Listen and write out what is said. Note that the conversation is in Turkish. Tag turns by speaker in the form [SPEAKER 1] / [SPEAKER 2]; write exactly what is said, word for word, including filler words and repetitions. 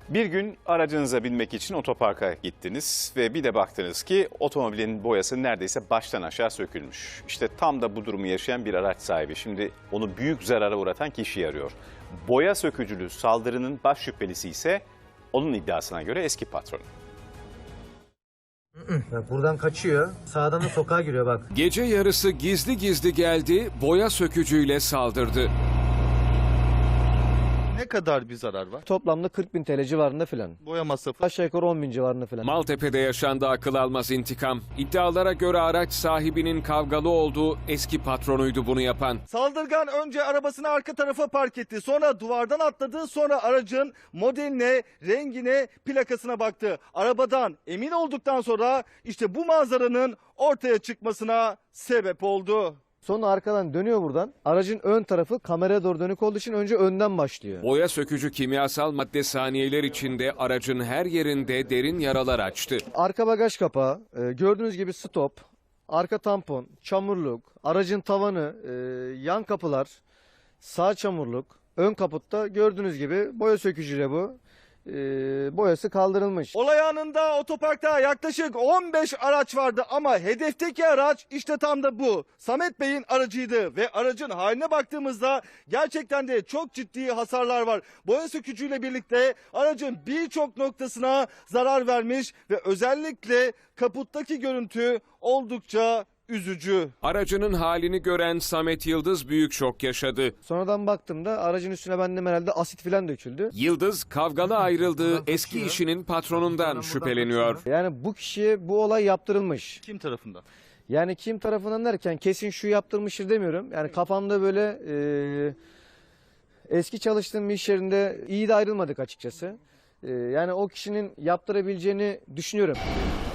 [SPEAKER 1] Bir gün aracınıza binmek için otoparka gittiniz ve bir de baktınız ki otomobilin boyası neredeyse baştan aşağı sökülmüş. İşte tam da bu durumu yaşayan bir araç sahibi şimdi onu büyük zarara uğratan kişiyi arıyor. Boya sökücülü saldırının baş şüphelisi ise onun iddiasına göre eski patronu.
[SPEAKER 2] Bak buradan kaçıyor. Sağdan da sokağa giriyor bak.
[SPEAKER 3] Gece yarısı gizli gizli geldi, boya sökücüyle saldırdı.
[SPEAKER 4] Ne kadar bir zarar var?
[SPEAKER 2] Toplamda kırk bin T L civarında filan.
[SPEAKER 4] Boya masrafı.
[SPEAKER 2] Aşağı yukarı on bin civarında filan.
[SPEAKER 3] Maltepe'de yaşandı akıl almaz intikam. İddialara göre araç sahibinin kavgalı olduğu eski patronuydu bunu yapan.
[SPEAKER 4] Saldırgan önce arabasını arka tarafa park etti. Sonra duvardan atladı. Sonra aracın modeline, rengine, plakasına baktı. Arabadan emin olduktan sonra işte bu manzaranın ortaya çıkmasına sebep oldu.
[SPEAKER 2] Sonra arkadan dönüyor buradan. Aracın ön tarafı kameraya doğru dönük olduğu için önce önden başlıyor.
[SPEAKER 3] Boya sökücü kimyasal madde saniyeler içinde aracın her yerinde derin yaralar açtı.
[SPEAKER 2] Arka bagaj kapağı, e, gördüğünüz gibi stop, arka tampon, çamurluk, aracın tavanı, e, yan kapılar, sağ çamurluk, ön kaputta gördüğünüz gibi boya sökücüyle bu. E, boyası kaldırılmış.
[SPEAKER 4] Olay anında otoparkta yaklaşık on beş araç vardı ama hedefteki araç işte tam da bu. Samet Bey'in aracıydı ve aracın haline baktığımızda gerçekten de çok ciddi hasarlar var. Boya sökücüyle birlikte aracın birçok noktasına zarar vermiş ve özellikle kaputtaki görüntü oldukça üzücü.
[SPEAKER 3] Aracının halini gören Samet Yıldız büyük şok yaşadı.
[SPEAKER 2] Sonradan baktığımda aracın üstüne benden herhalde asit filan döküldü.
[SPEAKER 3] Yıldız kavgalı ayrıldığı eski işinin patronundan şüpheleniyor.
[SPEAKER 2] Yani bu kişiye bu olay yaptırılmış.
[SPEAKER 4] Kim tarafından?
[SPEAKER 2] Yani kim tarafından derken kesin şu yaptırmıştır demiyorum. Yani kafamda böyle e, eski çalıştığım bir iş yerinde iyi de ayrılmadık açıkçası. E, yani o kişinin yaptırabileceğini düşünüyorum.